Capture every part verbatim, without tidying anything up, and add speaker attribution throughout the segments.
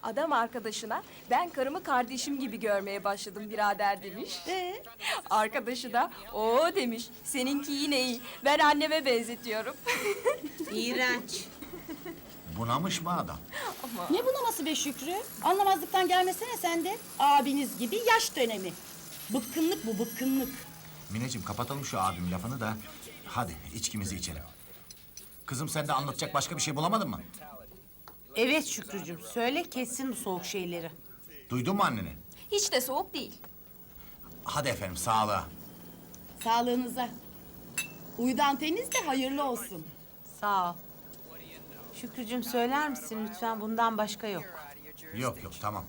Speaker 1: Adam arkadaşına ben karımı kardeşim gibi görmeye başladım birader demiş.
Speaker 2: Ee?
Speaker 1: Arkadaşı da o demiş seninki yine iyi. Ben anneme benzetiyorum.
Speaker 3: İğrenç.
Speaker 4: Bunamış mı adam?
Speaker 2: Ne bunaması be Şükrü? Anlamazlıktan gelmesene sen de. Abiniz gibi yaş dönemi. Bıkkınlık bu, bıkkınlık.
Speaker 4: Mineciğim kapatalım şu abim lafını da. Hadi içkimizi içelim. Kızım sen de anlatacak başka bir şey bulamadın mı?
Speaker 3: Evet Şükrücüğüm, söyle kessin bu soğuk şeyleri.
Speaker 4: Duydun mu anneni?
Speaker 1: Hiç de soğuk değil.
Speaker 4: Hadi efendim sağlığa.
Speaker 2: Sağlığınıza. Uydu anteniniz de hayırlı olsun.
Speaker 3: Sağ ol. Şükrücüğüm söyler misin lütfen, bundan başka yok.
Speaker 4: Yok yok tamam.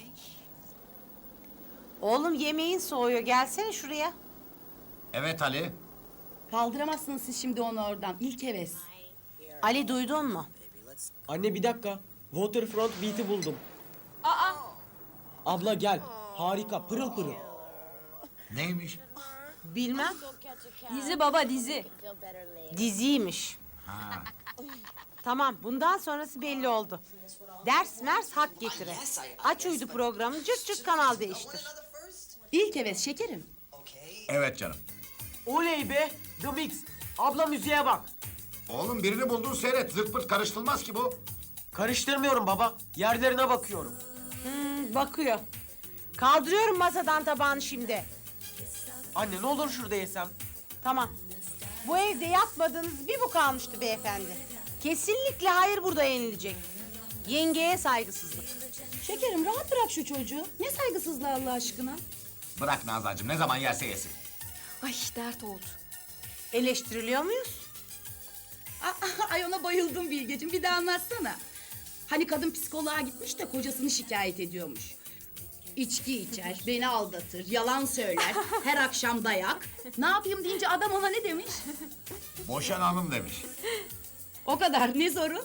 Speaker 3: Oğlum yemeğin soğuyor, gelsene şuraya.
Speaker 4: Evet Ali.
Speaker 2: Kaldıramazsınız siz şimdi onu oradan. İlk heves.
Speaker 3: Ali duydun mu?
Speaker 5: Anne bir dakika. Waterfront Beat'i buldum.
Speaker 1: Aa,
Speaker 5: Abla gel. Harika, pırıl pırıl.
Speaker 4: Neymiş?
Speaker 3: Bilmem.
Speaker 1: dizi baba dizi.
Speaker 3: Diziymiş.
Speaker 4: Ha.
Speaker 3: Tamam, bundan sonrası belli oldu. Ders mers hak getire. Aç uydu programı, cırt cırt kanal değiştir.
Speaker 2: İlk heves şekerim.
Speaker 4: Evet canım.
Speaker 5: Oley be. The Mix. Abla müziğe bak.
Speaker 4: Oğlum birini buldun seyret. Zırt pırt karıştırılmaz ki bu.
Speaker 5: Karıştırmıyorum baba. Yerlerine bakıyorum.
Speaker 3: Hmm, bakıyor. Kaldırıyorum masadan tabağını şimdi.
Speaker 5: Anne ne olur şurada yesem.
Speaker 3: Tamam. Bu evde yapmadığınız bir bu kalmıştı beyefendi. Kesinlikle hayır burada yenilecek. Yengeye saygısızlık.
Speaker 2: Şekerim rahat bırak şu çocuğu. Ne saygısızlığı Allah aşkına.
Speaker 4: Bırak Nazancığım ne zaman yerse yesin.
Speaker 1: Ay dert oldu.
Speaker 3: Eleştiriliyor muyuz?
Speaker 2: Aa, ay ona bayıldım Bilgeciğim. Bir daha anlatsana. Hani kadın psikoloğa gitmiş de kocasını şikayet ediyormuş. İçki içer, beni aldatır, yalan söyler, her akşam dayak. Ne yapayım deyince adam ona ne demiş?
Speaker 4: Boşanalım demiş.
Speaker 2: O kadar, ne sorun?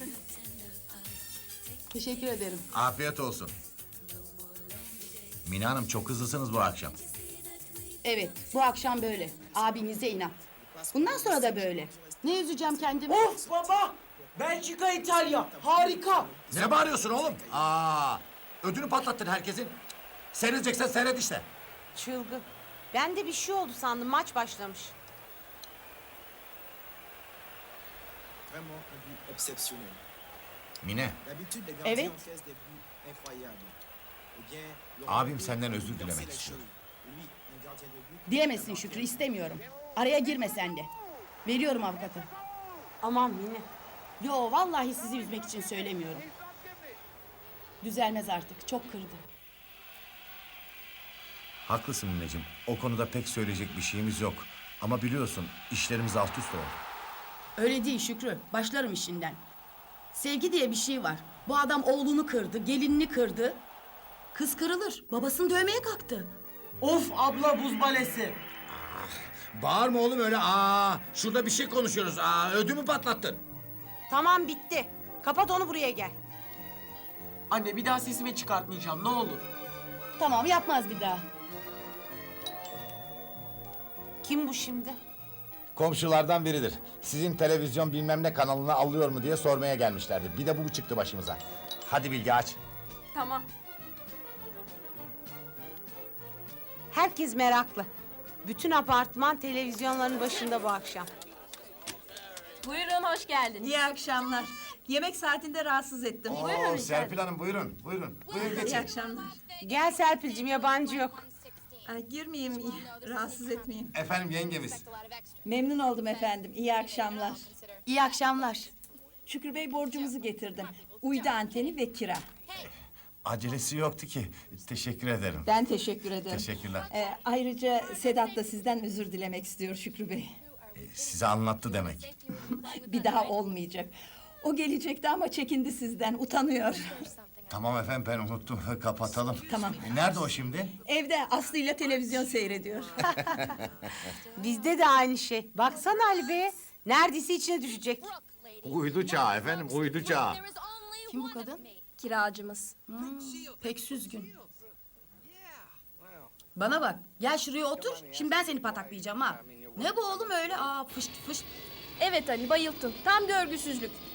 Speaker 2: Teşekkür ederim.
Speaker 4: Afiyet olsun. Mine Hanım çok hızlısınız bu akşam.
Speaker 2: Evet, bu akşam böyle. Abinize inat. Bundan sonra da böyle. Ne üzeceğim kendimi?
Speaker 5: Of baba. Belçika, İtalya. Harika.
Speaker 4: Ne bağırıyorsun oğlum? Aa, ödünü patlattın herkesin. Seyredeceksen seyret işte.
Speaker 3: Çılgın. Ben de bir şey oldu sandım, maç başlamış.
Speaker 6: Vraiment un but exceptionnel.
Speaker 4: Mine,
Speaker 6: D'habitude, les gardiens
Speaker 2: Evet.
Speaker 6: encaissent des buts incroyables. Eh bien, le
Speaker 4: abim
Speaker 6: Rwandais
Speaker 4: senden
Speaker 6: a
Speaker 4: özür
Speaker 6: bouleversé
Speaker 4: dilemek
Speaker 6: les
Speaker 4: istiyor.
Speaker 6: choses. Lui, un gardien de but.
Speaker 2: Dilemesin Şükrü, istemiyorum. Araya girme sen de. Veriyorum avukatı.
Speaker 3: Aman Mine.
Speaker 2: Yo, vallahi sizi üzmek için söylemiyorum. Düzelmez artık, çok kırdı.
Speaker 4: Haklısın Mineciğim. O konuda pek söyleyecek bir şeyimiz yok. Ama biliyorsun işlerimiz alt üst oldu.
Speaker 2: Öyle değil Şükrü, başlarım işinden. Sevgi diye bir şey var. Bu adam oğlunu kırdı, gelinini kırdı. Kız kırılır, babasını dövmeye kalktı.
Speaker 5: Of abla buz balesi.
Speaker 4: Bağırma oğlum öyle. Aa, şurada bir şey konuşuyoruz. Aa, ödümü patlattın.
Speaker 3: Tamam bitti. Kapat onu, buraya gel.
Speaker 5: Anne bir daha sesimi çıkartmayacağım ne olur.
Speaker 2: Tamam, yapmaz bir daha.
Speaker 3: Kim bu şimdi?
Speaker 4: Komşulardan biridir. Sizin televizyon bilmem ne kanalına alıyor mu diye sormaya gelmişlerdi. Bir de bu çıktı başımıza. Hadi Bilge aç.
Speaker 1: Tamam.
Speaker 3: Herkes meraklı. Bütün apartman televizyonların başında bu akşam.
Speaker 1: Buyurun hoş geldiniz.
Speaker 7: İyi akşamlar. Yemek saatinde rahatsız ettim.
Speaker 4: Oo, Serpil Hanım buyurun. Buyurun. Buyurun
Speaker 7: İyi
Speaker 4: geçin.
Speaker 7: akşamlar.
Speaker 3: Gel Serpil'cim, yabancı yok.
Speaker 7: Ay, girmeyeyim, iyi- rahatsız etmeyeyim.
Speaker 4: Efendim yengemiz.
Speaker 7: Memnun oldum efendim. İyi akşamlar.
Speaker 2: İyi akşamlar.
Speaker 7: Şükrü Bey borcumuzu getirdim. Uydu anteni ve kira.
Speaker 4: Acelesi yoktu ki. Teşekkür ederim.
Speaker 7: Ben teşekkür ederim.
Speaker 4: Teşekkürler.
Speaker 7: Ee, ayrıca Sedat da sizden özür dilemek istiyor Şükrü Bey.
Speaker 4: Ee, size anlattı demek.
Speaker 7: Bir daha olmayacak. O gelecekti ama çekindi sizden, utanıyor.
Speaker 4: Tamam efendim ben unuttum. Kapatalım.
Speaker 7: Tamam.
Speaker 4: E, nerede o şimdi?
Speaker 7: Evde Aslı ile televizyon seyrediyor.
Speaker 3: Bizde de aynı şey. Baksana Ali Bey. Neredeyse içine düşecek.
Speaker 4: Uydu çağı efendim, uydu çağı.
Speaker 2: Kim bu kadın?
Speaker 1: Kiracımız.
Speaker 2: Pek süzgün. Bana bak, gel şuraya otur. Şimdi ben seni pataklayacağım ha. Ne bu oğlum öyle? Aa, fışt fışt.
Speaker 1: Evet Ali bayılttın. Tam görgüsüzlük.